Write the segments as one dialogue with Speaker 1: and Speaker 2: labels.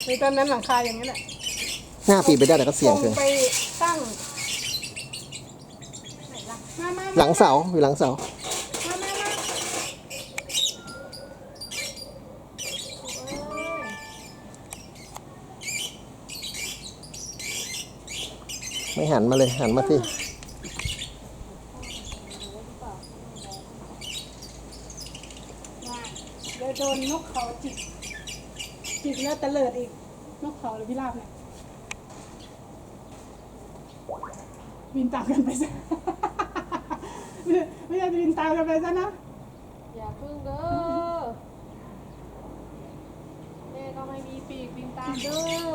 Speaker 1: ในตอนนั้นหลังคาอย่างนี้แหละ
Speaker 2: หน้าปีไปได้แต่ก็เสี่ยงเกิน
Speaker 1: ไปตั้งมา
Speaker 2: หลังเสาอยู่หลังเสาไม่หันมาเลยหันมาที่
Speaker 1: เดี๋ยวโดนนกเขาจิกแล้วตะเลิดอีกนกเขาหรือพิราบเนี่ยบินตามกันไปซะไม่ใช่บินตามกันไปซะนะ
Speaker 3: อย่าพึ่งเด้อแม่ก็ไม่มีปีกบินตามเด้อ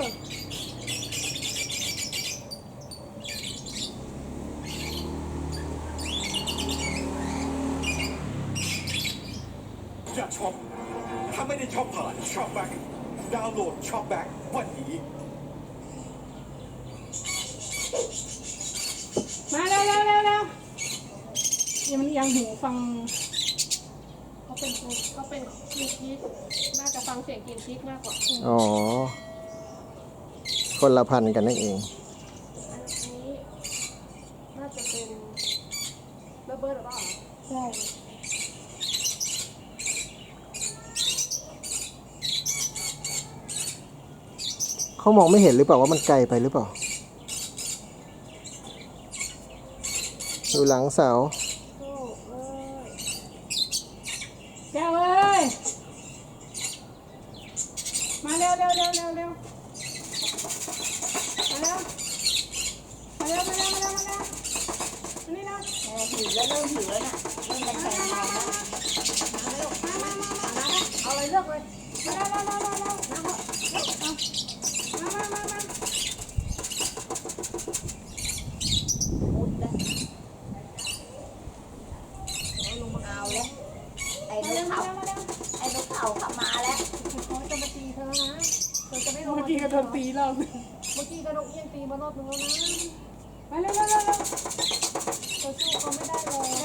Speaker 4: อยากช็อปถ้าไม่ได้ช็อปผ่านช็อปแบ็คดาวน์โหลดช็อปแบ็ควันนี้
Speaker 1: มาเร็วยังมันยังหูฟัง
Speaker 3: เขาเป็นกินคิกน่าจะฟังเสียงกินคิกมากกว่า
Speaker 2: อ๋อคนละพันกันนั่นเอง
Speaker 3: อันนี้น่าจะเป็นเบิร์ดหรือเปล่า
Speaker 1: ใช่
Speaker 2: เขามองไม่เห็นหรือเปล่าว่ามันไกลไปหรือเปล่าอยู่หลังเสา
Speaker 3: โอ้เอ้ย
Speaker 1: แก้วเอ้ยมาเร็วมาเร็วมาเร็วนี่นะหิวแล้วเริ่มหิวแล้วน่ะเริ่มแรงๆมา
Speaker 3: เอาเลยเลือกเลย
Speaker 5: เอาแล้วไอ้นกเขาขับมาแล้ว
Speaker 3: เขาจะมาตีเธอนะเธอจะไม่ลง
Speaker 1: เมื่อกี้ก็โดนตีรอบนึง
Speaker 3: เมื่อกี้กระดกเอียงตีมารอบนึงแล้วนะ
Speaker 1: มาเร็ว
Speaker 3: เธอสู้เขาไม่ได้เลย